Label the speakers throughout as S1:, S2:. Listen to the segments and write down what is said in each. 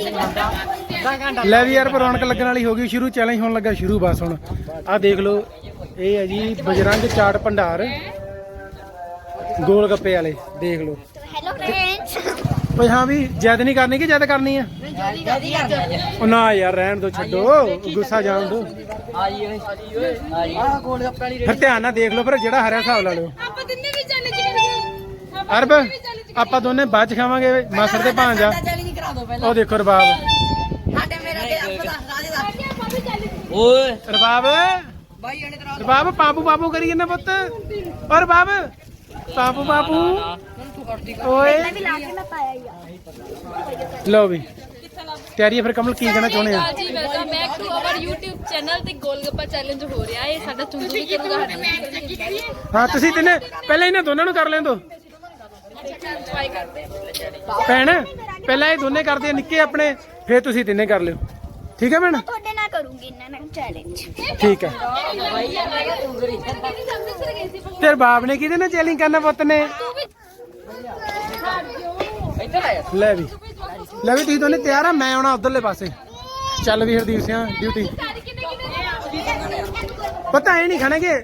S1: ਲੈ ਵੀ ਯਾਰ ਰੌਣਕ ਲੱਗਣ ਵਾਲੀ ਹੋ ਗਈ ਸ਼ੁਰੂ। ਚੈਲੰਜ ਹੋਣ ਲੱਗਾ ਸ਼ੁਰੂ। ਬਸ ਹੁਣ ਆਹ ਦੇਖ ਲਓ, ਇਹ ਹੈ ਜੀ ਬਜਰੰਗ ਚਾਟ ਭੰਡਾਰ ਗੋਲ ਗੱਪੇ ਵਾਲੇ। ਦੇਖ ਲਓ।
S2: Hello friends.
S1: ਭਾਈ ਹਾਂ ਵੀ ਜਿੱਦ ਨਹੀਂ ਕਰਨੀ ਕਿ ਜਿੱਦ ਕਰਨੀ ਆ? ਉਹ ਨਾ ਯਾਰ ਰਹਿਣ ਦੋ, ਛੱਡੋ, ਗੁੱਸਾ ਜਾਣ ਦੋ। ਫਿਰ ਧਿਆਨ ਨਾਲ ਦੇਖ ਲਓ, ਫਿਰ ਜਿਹੜਾ ਹਰਿਆ ਹਿਸਾਬ ਲਾ ਲਿਓ। ਅਰਬ ਆਪਾਂ ਦੋਨੇ ਬਾਅਦ ਚ ਖਾਵਾਂਗੇ। ਮਾਸਰ ਦੇ ਭਾਂਜਾ ਉਹ ਦੇਖੋ ਰਬਾਬ। ਰਬਾਬ ਰਬਾਬ ਪਾਪੂ ਪਾਪੂ ਕਰੀ ਜਾਂਦਾ ਪੁੱਤ। ਔਰ ਰਬਾਬ ਪਾਪੂ ਪਾਪੂ ਓਏ। ਲਓ ਵੀ ਤਿਆਰੀ ਹੈ ਫਿਰ। ਕਮਲ ਕੀ ਕਹਿਣਾ ਚਾਹੁੰਦੇ ਆ?
S3: ਜੀ welcome back to our YouTube channel ਤੇ ਗੋਲਗੱਪਾ ਚੈਲੰਜ ਹੋ ਰਿਹਾ ਹੈ। ਸਾਡਾ ਚੁੰਦੂ ਵੀ ਕਰੂਗਾ।
S1: ਹਾਂ ਤੁਸੀਂ ਤਿੰਨੇ ਪਹਿਲਾਂ ਇਹਨਾਂ ਦੋਨਾਂ ਨੂੰ ਕਰ ਲੈਣ ਦੋ। ਭੈਣ ਪਹਿਲਾਂ ਇਹ ਦੋਨੇ ਕਰਦੇ ਆ ਨਿੱਕੇ ਆਪਣੇ, ਫਿਰ ਤੁਸੀਂ ਤਿੰਨੇ ਕਰ ਲਿਓ। ਠੀਕ ਹੈ ਭੈਣ?
S2: ਤੁਹਾਡੇ ਨਾਲ ਕਰੂੰਗੀ ਇਹਨਾਂ ਨਾਲ ਚੈਲੰਜ।
S1: ਠੀਕ ਹੈ। ਤੇਰੇ ਬਾਪ ਨੇ ਕਿਹਦੇ ਨਾਲ ਚੈਲੰਜ ਕਰਨਾ ਪੁੱਤ ਨੇ? ਲੈ ਵੀ ਤੁਸੀਂ ਦੋਨੇ ਤਿਆਰ ਆ? ਮੈਂ ਆਉਣਾ ਉਧਰਲੇ ਪਾਸੇ। ਚੱਲ ਵੀ ਹਰਦੀਪ ਸਿੰਘ ਡਿਊਟੀ। ਪਤਾ ਇਹ ਨਹੀਂ ਖਾਣਗੇ।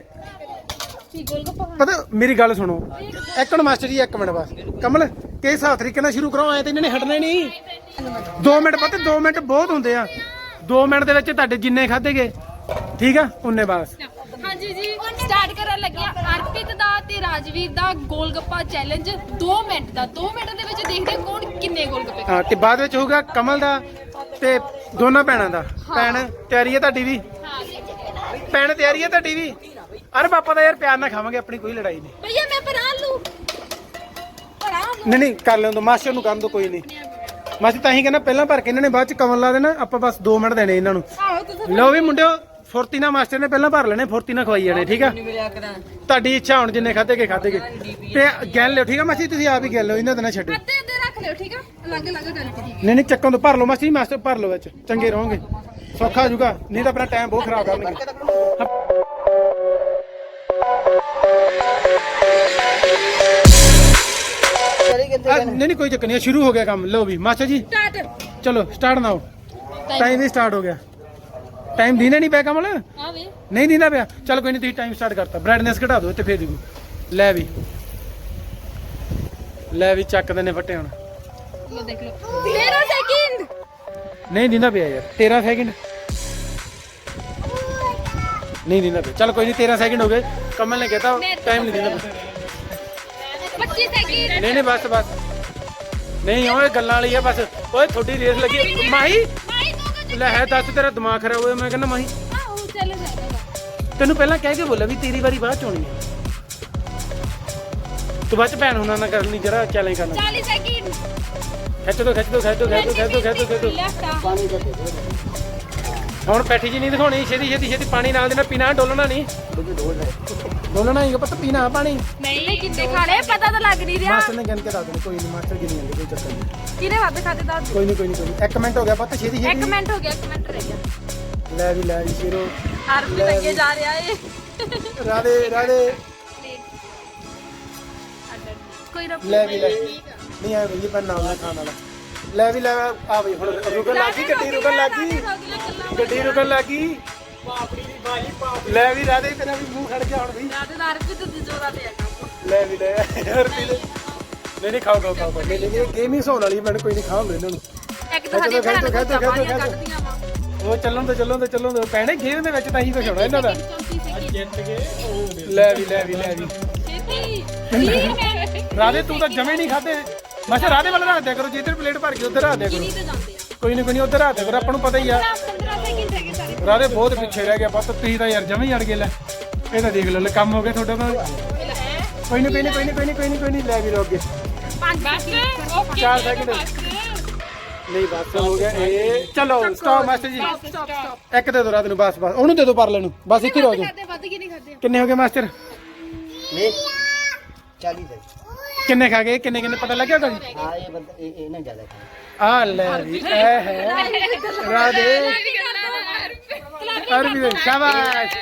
S1: ਪਤਾ ਮੇਰੀ ਗੱਲ ਸੁਣੋ ਇੱਕ ਮਿੰਟ ਮਾਸਟਰ ਜੀ, ਇੱਕ ਮਿੰਟ ਬਸ। ਕਮਲ ਕਿਸ ਹਿਸਾਬ ਤਰੀਕੇ ਨਾਲ ਸ਼ੁਰੂ ਕਰੋ? ਐ ਤੇ ਇਹਨਾਂ ਨੇ ਹਟਣਾ ਨਹੀਂ। 2 ਮਿੰਟ ਪਤਾ 2 ਮਿੰਟ ਬਹੁਤ ਹੁੰਦੇ ਆ। 2 ਮਿੰਟ ਦੇ ਵਿੱਚ ਤੁਹਾਡੇ ਜਿੰਨੇ ਖਾਧੇ ਗਏ ਠੀਕ ਆ ਉਨੇ ਬਸ।
S3: ਹਾਂਜੀ ਜੀ ਸਟਾਰਟ ਕਰਨ ਲੱਗਿਆ ਅਰਪਿਤ ਦਾ ਤੇ ਰਾਜਵੀਰ ਦਾ ਗੋਲਗੱਪਾ ਚੈਲੰਜ 2 ਮਿੰਟ ਦਾ। 2 ਮਿੰਟ ਦੇ ਵਿੱਚ ਦੇਖਦੇ ਹਾਂ ਕੌਣ ਕਿੰਨੇ ਗੋਲਗੱਪੇ
S1: ਹਾਂ ਤੇ ਬਾਅਦ ਵਿੱਚ ਹੋਊਗਾ ਕਮਲ ਦਾ ਤੇ ਦੋਨਾਂ ਭੈਣਾਂ ਦਾ। ਭੈਣ ਤਿਆਰੀ ਹੈ ਤੁਹਾਡੀ ਵੀ? ਭੈਣ ਤਿਆਰੀ ਹੈ ਤੁਹਾਡੀ ਵੀ? ਅਰੇ ਪਾਪਾ ਦਾ ਯਾਰ ਪਿਆਰ ਨਾਲ ਖਾਵਾਂਗੇ, ਆਪਣੀ ਕੋਈ ਲੜਾਈ ਨਹੀਂ।
S3: ਭਈਆ ਮੈਂ ਬਣਾ ਲੂ।
S1: ਨਹੀਂ ਕਰ ਲੈਣ ਦੋ, ਮਾਸਟਰ ਨੂੰ ਕਰਨ ਦੋ, ਕੋਈ ਨਹੀਂ। ਮਾਸਟਰ ਤਾਂ ਹੀ ਕਹਿੰਦਾ ਪਹਿਲਾਂ ਭਰ ਕੇ ਇਹਨਾਂ ਨੇ ਬਾਅਦ ਚ ਕਮਲ ਲਾ ਦੇਣਾ। ਆਪਾਂ ਬਸ 2 ਮਿੰਟ ਦੇਣੇ ਇਹਨਾਂ ਨੂੰ। ਲਓ ਵੀ ਮੁੰਡਿਓ ਫੁਰਤੀ ਨਾਲ ਮਾਸਟਰ ਨੇ ਪਹਿਲਾਂ ਭਰ ਲੈਣੇ, ਫੁਰਤੀ ਨਾਲ ਖਵਾਈ ਜਾਣੇ। ਠੀਕ ਆ ਤੁਹਾਡੀ ਇੱਛਾ ਹੁਣ ਜਿੰਨੇ ਖਾਧੇ ਗਏ ਤੇ ਗਿਣ ਲਿਓ। ਠੀਕ ਆ ਮਾਸੀ ਤੁਸੀਂ ਆਪ ਹੀ ਗਿਣ ਲਿਓ, ਇਹਨਾਂ ਦੇ ਨਾ ਛੱਡੋ।
S3: ਅੱਧੇ ਅੱਧੇ ਰੱਖ ਲਿਓ। ਠੀਕ ਆ ਅਲੱਗ ਅਲੱਗ ਕਰਕੇ।
S1: ਨਹੀਂ ਚੱਕਾਂ ਤੋਂ ਭਰ ਲਓ ਮਾਸੀ, ਮਾਸਟਰ ਭਰ ਲਓ ਵਿੱਚ, ਚੰਗੇ ਰਹੋਗੇ, ਸੌਖਾ ਹੋ ਜਾਊਗਾ। ਨਹੀਂ ਤਾਂ ਆਪਣਾ ਟਾਈਮ ਬਹੁਤ ਖਰਾਬ ਕਰਨਗੇ। ਨਹੀਂ ਕੋਈ ਚੱਕਰ ਨਹੀਂ, ਸ਼ੁਰੂ ਹੋ ਗਿਆ ਕੰਮ। ਲਓ ਵੀ ਮਾਸਟਰ ਜੀ ਚਲੋ ਸਟਾਰਟ ਨਾ ਹੋ। ਟਾਈਮ ਵੀ ਸਟਾਰਟ ਹੋ ਗਿਆ। ਟਾਈਮ ਦੀਨਾ ਨਹੀਂ ਪਿਆ ਕਮਲ? ਨਹੀਂ ਦੀਨਾ ਪਿਆ। ਚਲ ਕੋਈ ਨਹੀਂ, ਤੁਸੀਂ ਟਾਈਮ ਸਟਾਰਟ ਕਰਤਾ। ਬ੍ਰਾਈਟਨੈਸ ਘਟਾ ਦਿਓ ਤੇ ਫੇਰ ਦਿਓ। ਲੈ ਵੀ ਚੱਕ ਦੇ ਨੇ ਫੱਟੇ ਹੁਣ।
S3: ਦੇਖ ਲਓ 13 ਸੈਕਿੰਡ।
S1: ਨਹੀਂ ਦੀਨਾ ਪਿਆ ਯਾਰ। 13 ਸੈਕਿੰਡ ਨਹੀਂ ਦੀਨਾ ਪਿਆ। ਚਲ ਕੋਈ ਨਹੀਂ 13 ਸੈਕਿੰਡ ਹੋ ਗਏ। ਕਮਲ ਨੇ ਕਹਿਤਾ ਟਾਈਮ ਨਹੀਂ ਦੇਣਾ।
S3: 25 ਸੈਕਿੰਡ। ਨਹੀਂ
S1: ਬਸ ਨਹੀਂ ਓਏ ਗੱਲਾਂ ਵਾਲੀ ਆ ਬਸ। ਓਏ ਤੁਹਾਡੀ ਰੇਸ ਲੱਗੀ। ਮਾਹੀ ਲੈ ਹੈ ਦੱਸ, ਤੇਰਾ ਦਿਮਾਗ ਖਰਾਬ ਹੋਇਆ? ਮੈਂ ਕਹਿੰਦਾ ਮਾਹੀ ਤੈਨੂੰ ਪਹਿਲਾਂ ਕਹਿ ਕੇ ਬੋਲਿਆ ਵੀ ਤੇਰੀ ਵਾਰੀ ਬਾਅਦ ਚ ਹੋਣੀ ਹੈ। ਤੂੰ ਬਾਅਦ ਚ ਭੈਣ ਹੁਣਾਂ ਨਾਲ ਕਰਨੀ ਜਰਾ ਚੈਲੰਜ ਕਰਨਾ।
S3: 40 ਸੈਕਿੰਡ।
S1: ਖਿੱਚ ਦੋ। ਹੁਣ ਪੈਠੀ ਜੀ ਨਹੀਂ ਦਿਖਾਉਣੀ। ਛੇਤੀ ਪਾਣੀ ਨਾਲ ਦੇਣਾ। ਪੀਣਾ ਡੋਲਣਾ ਨਹੀਂ। ਡੋਲਣਾ ਹੀ ਪਤਾ, ਪੀਣਾ ਪਾਣੀ
S3: ਨਹੀਂ ਕਿੰਨੇ ਖਾਣੇ ਪਤਾ ਤਾਂ ਲੱਗ ਨਹੀਂ ਰਿਹਾ।
S1: ਮਾਸਟਰ ਨੇ ਗਿਣ ਕੇ ਦੱਸ ਦੇਣਾ। ਕੋਈ ਨਹੀਂ ਮਾਸਟਰ ਗਿਣੀ ਜਾਂਦੇ, ਕੋਈ ਚੱਕਰ ਨਹੀਂ।
S3: ਕਿਹਨੇ ਵੱਧ ਖਾਦੇ ਦੱਸ
S1: ਕੋਈ ਨਹੀਂ। 1 ਮਿੰਟ ਹੋ ਗਿਆ ਪਤਾ। ਛੇਤੀ
S3: 1 ਮਿੰਟ ਹੋ ਗਿਆ। 1 ਮਿੰਟ ਰਹਿ ਗਿਆ।
S1: ਲੈ ਵੀ ਸ਼ੇਰੋ
S3: ਅਰਪਿਤ ਅੱਗੇ ਜਾ ਰਿਹਾ ਏ।
S1: ਰਾਦੇ
S3: ਕੋਈ ਰੱਬ
S1: ਲੈ ਨਹੀਂ ਆਇਆ ਬਈ ਪਰ ਨਾਮ ਨਾ ਖਾਣ ਵਾਲਾ। ਲੈ ਆ ਬਈ ਹੁਣ ਰੁਕਣ ਲੱਗੀ ਗੱਡੀ ਰੁਕਣ ਲੱਗੀ। ਲੈ ਵੀ ਰਾਦੇ ਤੇਰਾ ਵੀ ਮੂੰਹ ਖੜ ਗਿਆ ਹੁਣ ਵੀ।
S3: ਰਾਦੇ ਦਾ ਅਰਪਿਤ ਦੀ ਜੋਰਾ ਤੇ ਆ ਕੰਮ।
S1: ਲੈ ਨਹੀਂ ਖਾਓ ਨਹੀਂ ਗੇਮਿੰਗ ਹੋਣ ਵਾਲੀ। ਮੈਨੂੰ ਕੋਈ ਨਹੀਂ ਖਾਉਂਦੇ ਇਹਨਾਂ ਨੂੰ।
S3: ਇੱਕ ਤਾਂ ਸਾਡੀ ਭੈਣਾਂ ਨੇ ਕੱਢਦੀਆਂ ਵਾ।
S1: ਉਹ ਚੱਲਣ ਤੋਂ ਪੈਣੇ ਗੇਮ ਦੇ ਵਿੱਚ ਤਾਂ ਹੀ ਕੁਝ ਹੋਣਾ ਇਹਨਾਂ ਦਾ। ਜਿੱਤ ਗਏ। ਲੈ ਵੀ
S3: ਛੇਤੀ
S1: ਰਾਦੇ ਤੂੰ ਤਾਂ ਜਮੇ ਨਹੀਂ ਖਾਦੇ। ਮਾਸਾ ਰਾਦੇ ਵਾਲਾ ਰੱਖ ਦਿਆ ਕਰੋ। ਜਿੱਧਰ ਪਲੇਟ ਭਰ ਕੇ ਉੱਧਰ ਰੱਖ ਦਿਆ ਕਰੋ। ਕੋਈ ਨਹੀਂ ਉੱਧਰ ਰੱਖ ਦਿਆ ਕਰੋ। ਆਪਾਂ ਨੂੰ ਪਤਾ ਹੀ ਆ
S3: 15 ਸੈਕਿੰਡ ਰਹਿ ਗਏ ਸਾਰੇ।
S1: ਰਾਦੇ ਬਹੁਤ ਪਿੱਛੇ ਰਹਿ ਗਿਆ ਬਸ। ਤੁਸੀਂ ਤਾਂ ਯਾਰ ਜਮੇ ਹੀ ਅੜ ਗਏ। ਲੈ ਇਹ ਤਾਂ ਦੇਖ ਲਓ ਕੰਮ ਹੋ ਗਿਆ ਤੁਹਾਡਾ ਤਾਂ। ਕੋਈ ਨਹੀਂ ਲੈ ਵੀ ਰੋ ਅੱਗੇ 4 ਸੈਕਿੰਡ ਨਹੀਂ ਬਸ ਹੋ ਗਿਆ ਇਹ। ਚਲੋ ਸਟਾਪ ਮਾਸਟਰ ਜੀ। ਇੱਕ ਦੇ ਦੋ ਰਾਤ ਨੂੰ ਬਸ ਉਹਨੂੰ ਦੇ ਦੋ ਪਰਲੇ ਨੂੰ ਬਸ। ਇੱਥੇ ਰੋ ਜਾਓ। ਕਿੰਨੇ ਹੋ ਗਏ ਮਾਸਟਰ?
S4: 40
S1: ਕਿੰਨੇ ਖਾ ਗਏ? ਕਿੰਨੇ ਪਤਾ ਲੱਗਿਆ ਤੁਹਾਨੂੰ?
S4: ਹਾਂ ਇਹ ਬੰਦਾ ਇਹ ਨਾ ਜ਼ਿਆਦਾ ਖਾਂਦਾ।
S1: ਆ ਲੈ ਵੀ ਇਹ ਹੈ ਰਾਦੇ ਅਰਬੀ। ਸ਼ਾਬਾਸ਼।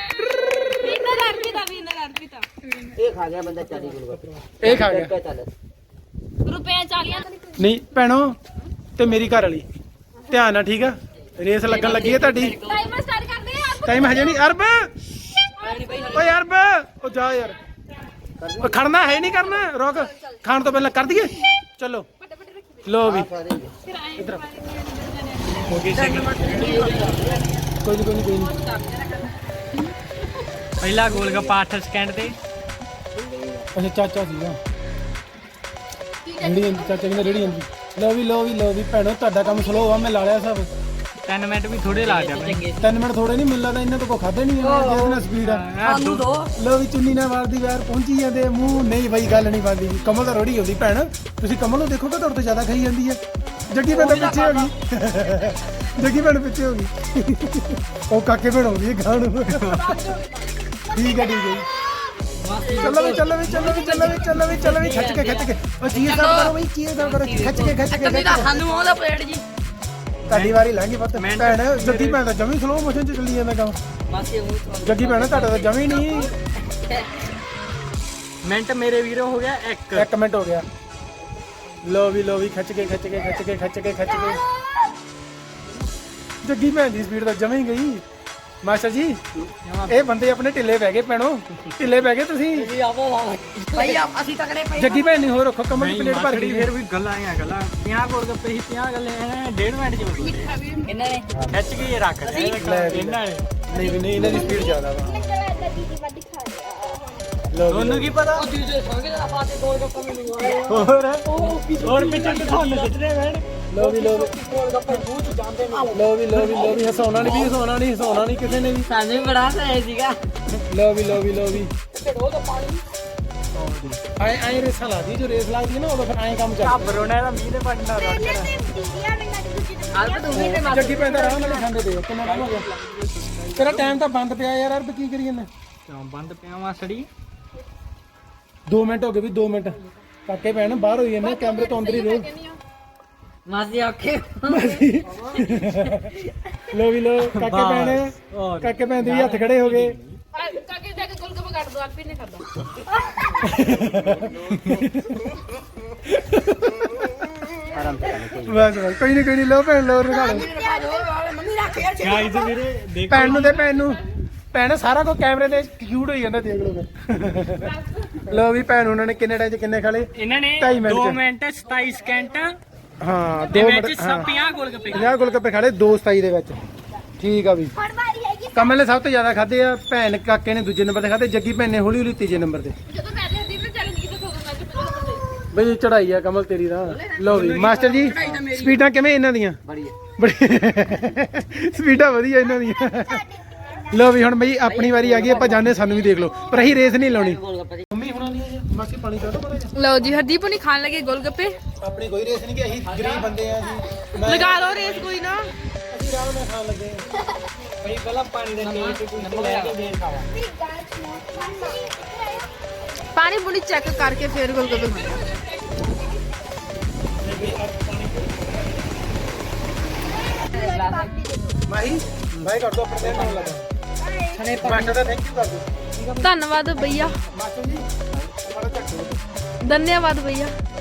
S4: ਇਹ ਖਾ ਗਿਆ ਬੰਦਾ 40 ਗੋਲਗੱਪੇ।
S1: ਇਹ ਖਾ ਗਿਆ।
S3: ਰੁਪਏ 40
S1: ਨਹੀਂ ਭੈਣੋ ਤੇ ਮੇਰੀ ਘਰ ਵਾਲੀ ਧਿਆਨ ਨਾਲ ਠੀਕ ਆ ਰੇਸ ਲੱਗਣ ਲੱਗੀ ਹੈ ਤੁਹਾਡੀ
S3: ਟਾਈਮਰ ਸਟਾਰਟ ਕਰਦੇ ਆ
S1: ਟਾਈਮ ਹਜੇ ਨਹੀਂ ਅਰਬ ਓਏ ਅਰਬ ਉਹ ਜਾ ਯਾਰ ਉਹ ਖੜਨਾ ਹੈ ਨਹੀਂ ਕਰਨਾ ਰੁਕ ਖਾਣ ਤੋਂ ਪਹਿਲਾਂ ਕਰ ਦਈਏ ਚਲੋ ਲੋ ਵੀ ਇਧਰ ਹੋ ਗਈ ਕੋਈ ਨਹੀਂ
S5: ਪਹਿਲਾ ਗੋਲ ਗੱਪਾ 8 ਸਕਿੰਟ ਤੇ
S1: ਅੱਛਾ ਚਾਚਾ ਸੀਗਾ ਰੇੜੀ ਚਾਚਾ ਕਹਿੰਦਾ ਰੇੜੀ ਜਾਂਦੀ ਲੋ ਵੀ ਭੈਣੋ ਤੁਹਾਡਾ ਕੰਮ ਸਲੋ ਆ ਮੈਂ ਲਾ ਲਿਆ ਸਭ
S5: 3 ਮਿੰਟ ਵੀ ਥੋੜੇ ਲਾ ਦਿਆ ਮੈਂ
S1: 3 ਮਿੰਟ ਥੋੜੇ ਨਹੀਂ ਮਿਲ ਲੱਗਦਾ ਇਹਨਾਂ ਤੋਂ ਕੋ ਖਾਦੇ ਨਹੀਂ ਜਿਹਦੇ ਨਾਲ ਸਪੀਡ ਆ ਲੋ ਵੀ ਚੁੰਨੀ ਨਾਲ ਵਾਰਦੀ ਵੈਰ ਪਹੁੰਚੀ ਜਾਂਦੇ ਮੂੰਹ ਨਹੀਂ ਬਈ ਗੱਲ ਨਹੀਂ ਬਣਦੀ ਕਮਲ ਤਾਂ ਰੋੜੀ ਹੁੰਦੀ ਭੈਣ ਤੁਸੀਂ ਕਮਲ ਨੂੰ ਦੇਖੋਗੇ ਤੁਹਾਡੇ ਤੋਂ ਜ਼ਿਆਦਾ ਖਾਈ ਜਾਂਦੀ ਹੈ ਜੱਗੀ ਭੈਣ ਪਿੱਛੇ ਹੋ ਗਈ ਜੱਗੀ ਭੈਣ ਪਿੱਛੇ ਹੋ ਗਈ ਉਹ ਕਾਕੇ ਭੈਣ ਹੋ ਗਈ ਗਾਂ ਨੂੰ ਠੀਕ ਹੈ ਚੱਲੋ ਵੀ ਖਿੱਚ ਕੇ ਉਹ ਚੀਜ਼ ਦਾ ਕਰੋ ਬਈ ਚੀਜ਼ ਦਾ ਕਰੋ ਖਿੱਚ ਕੇ
S5: ਸਾਨੂੰ ਉਹਦਾ ਪਲੇਟ ਜੀ
S1: ਤੁਹਾਡੀ ਵਾਰੀ ਲੰਘੀ ਪੁੱਤ ਭੈਣ ਜੱਗੀ ਭੈਣ ਤਾਂ ਜਮੀ ਸਲੋ ਮੋਸ਼ਨ ਚ ਚੱਲੀ ਜਾਂਦਾ ਕੰਮ ਜੱਗੀ ਭੈਣ ਤੁਹਾਡਾ ਤਾਂ ਜਮੀ ਨਹੀਂ
S5: ਮਿੰਟ ਮੇਰੇ ਵੀਰੋ ਹੋ ਗਿਆ
S1: 1 ਮਿੰਟ ਹੋ ਗਿਆ ਲੋ ਵੀ ਖਿੱਚ ਕੇ ਜੱਗੀ ਭੈਣ ਦੀ ਸਪੀਡ ਤਾਂ ਜਮੀ ਗਈ ਮਾਸਟਰ ਜੀ ਇਹ ਬੰਦੇ ਆਪਣੇ ਢਿੱਲੇ ਪੈ ਗਏ ਭੈਣੋ ਢਿੱਲੇ ਪੈ ਗਏ ਤੁਸੀਂ
S5: ਭਾਈ ਅਸੀਂ ਤਕੜੇ ਪਏ
S1: ਜੱਗੀ ਭੈਣ ਨਹੀਂ ਹੋ ਰੱਖੋ ਕਮਲ ਦੀ ਪਲੇਟ ਭਰ ਗਈ
S5: ਫਿਰ ਵੀ ਗੱਲਾਂ 50 ਗੋਲ ਗੱਪੇ ਸੀ 50 ਗੱਲੇ 1.5 ਮਿੰਟ ਚ ਹੋ ਗਏ ਇਹਨਾਂ ਨੇ ਖਿੱਚ ਕੇ ਰੱਖ ਇਹਨਾਂ ਨੇ
S1: ਨਹੀਂ ਇਹਨਾਂ ਦੀ ਸਪੀਡ ਜ਼ਿਆਦਾ ਵਾ
S2: ਦੀਦੀ ਵੱਡੀ ਖਾ ਲਿਆ
S5: ਤੁਹਾਨੂੰ ਕੀ ਪਤਾ ਉਹ ਦੂਜੇ ਸੰਗੇ ਦਾ ਫਾਤੇ ਗੋਲ ਗੱਪਾ ਮਿਲੂਗਾ ਹੋਰ ਪਿੱਛੇ ਤੁਹਾਨੂੰ ਖਿੱਚਦੇ ਵੈਣ
S1: ਲੋ ਵੀ ਹਸਾਉਣਾ ਨਹੀਂ ਕਿਸੇ ਨੇ ਵੀ
S5: ਸਾਨੂੰ ਵੀ ਬੜਾ ਸਹੀ ਸੀਗਾ
S1: ਲੋ ਵੀ ਆਏ ਰੇਸਾਂ ਲਾਦੀ ਜੋ ਰੇਸ ਲੱਗਦੀ ਹੈ ਨਾ ਉਦੋਂ ਫਿਰ ਆਏ ਕੰਮ ਚੱਲਦਾ
S5: ਬਰੋਣਾ ਦਾ ਮੀਂਹ ਦੇ ਪੜਨਾ ਰੋੜ ਕੇ
S2: ਦੀਦੀਆਂ ਨੇ ਨਾ
S1: ਜੱਗੀ ਪੈਂਦਾ ਆਰਾਮ ਨਾਲ ਖਾਂਦੇ ਦੇ ਕਿੰਨਾ ਟਾਈਮ ਹੋ ਗਿਆ ਤੇਰਾ ਟਾਈਮ ਤਾਂ ਬੰਦ ਪਿਆ ਯਾਰ ਅਰਬ ਕੀ ਕਰੀ ਜਾਂਦਾ
S5: ਬੰਦ ਪਿਆ ਮਾਸੜੀ
S1: 2 ਮਿੰਟ ਹੋ ਗਏ ਵੀ 2 ਮਿੰਟ ਕਾਕੇ ਭੈਣ ਬਾਹਰ ਹੋਈ ਜਾਂਦੇ ਕੈਮਰੇ ਤੋਂ ਅੰਦਰ ਹੀ ਰਹੋ
S5: ਮਾਸੀ ਆਖੇ
S1: ਲੋ ਕਾਕੇ ਭੈਣ ਦੇ ਵੀ ਹੱਥ ਖੜੇ ਹੋ ਗਏ
S3: ਕਾਕੇ ਜਾ ਕੇ ਗੋਲਗੱਪਾ ਕੱਢ ਦੋ ਆਲਪੀ ਨੇ ਖਾਦਾ
S1: ਬਸ ਕੋਈ ਨਹੀਂ ਲੋ ਭੈਣ ਲੋ ਰਖਾ ਲੋ
S5: ਗਾਈਜ਼ ਵੀਰੇ ਦੇਖ
S1: ਭੈਣ ਨੂੰ ਭੈਣ ਸਾਰਾ ਕੁਝ ਕੈਮਰੇ ਤੇ ਸ਼ੂਟ ਹੋਈ ਜਾਂਦਾ ਦੇਖ ਲੋ ਲੋ ਵੀ ਭੈਣ ਉਹਨਾਂ ਨੇ ਕਿੰਨੇ ਟਾਈਮ ਚ ਕਿੰਨੇ ਖਾਲੇ
S5: ਇਹਨਾਂ ਨੇ 2 ਮਿੰਟ 27 ਸਕਿੰਟ
S1: ਹਾਂ
S5: ਦੇ
S1: 2
S5: ਵਿੱਚ
S1: ਮਿੰਟ
S5: 50 ਗੋਲ ਗੱਪੇ
S1: 50 ਗੋਲਗੱਪੇ ਖਾਲੇ 2:27 ਦੇ ਵਿੱਚ ਠੀਕ ਆ ਵੀ
S2: ਹੁਣ ਵਾਰੀ ਹੈਗੀ
S1: ਕਮਲ ਨੇ ਸਭ ਤੋਂ ਜ਼ਿਆਦਾ ਖਾਦੇ ਆ ਭੈਣ ਕਾਕੇ ਨੇ ਦੂਜੇ ਨੰਬਰ ਤੇ ਖਾਦੇ ਜੱਗੀ ਭੈਣ ਨੇ ਹੌਲੀ ਤੀਜੇ ਨੰਬਰ ਤੇ
S3: ਜਦੋਂ ਪਹਿਲੇ ਹਰਦੀਪ ਨੇ ਚੈਲੰਜ ਕੀਤਾ ਸੋਗਾ ਮੈਂ
S1: ਬਈ ਚੜਾਈ ਆ ਕਮਲ ਤੇਰੀ ਦਾ ਲਓ ਵੀ ਮਾਸਟਰ ਜੀ ਸਪੀਡਾਂ ਕਿਵੇਂ ਇਹਨਾਂ ਦੀਆਂ ਬੜੀ ਸਪੀਡਾਂ ਵਧੀਆ ਇਹਨਾਂ ਦੀਆਂ ਲਓ ਵੀ ਹੁਣ ਬਈ ਆਪਣੀ ਵਾਰੀ ਆ ਗਈ ਆਪਾਂ ਜਾਣੇ ਸਾਨੂੰ ਵੀ ਦੇਖ ਲਓ ਪਰ ਅਸੀਂ ਰੇਸ ਨਹੀਂ ਲਾਉਣੀ ਮੰਮੀ ਹੁਣਾਂ ਦੀ ਮਾਸੀ ਪਾਣੀ ਕੱਢ ਦੋ
S3: ਲਓ ਜੀ ਹਰਦੀਪ ਨੇ ਖਾਣ ਲੱਗੇ ਗੋਲਗੱਪੇ
S1: ਆਪਣੀ ਕੋਈ ਰੇਸ ਨਹੀਂ ਕਿ ਅਸੀਂ ਗਰੀਬ ਬੰਦੇ ਆ ਜੀ
S3: ਲਗਾ ਲਓ ਰੇਸ ਕੋਈ ਨਾ
S1: ਅਸੀਂ ਆਰਾਮ ਨਾਲ ਖਾਣ ਲੱਗੇ
S5: ਭਾਈ ਪਹਿਲਾਂ ਪਾਣੀ ਦੇ ਨੀਲ ਤੇ ਕੋਈ ਲੈ ਕੇ ਦੇ ਖਾਵਾ
S3: ਪਾਣੀ ਪੂਣੀ ਚੈੱਕ ਕਰਕੇ ਫਿਰ ਗੋਲਗੱਪੇ ਖਾਣੇ
S1: ਮਾਹੀ ਬਾਈ ਕਰ ਦੋ ਆਪਣੇ ਨਾਲ ਲੱਗਾ ਮਾਸਟਰ ਦਾ ਥੈਂਕ ਯੂ ਕਰ ਦੋ
S3: ਧੰਨਵਾਦ ਭਈਆ
S1: ਮਾਸਟਰ ਜੀ ਬੜਾ ਚੱਕ
S3: ਧੰਨਵਾਦ ਭਈਆ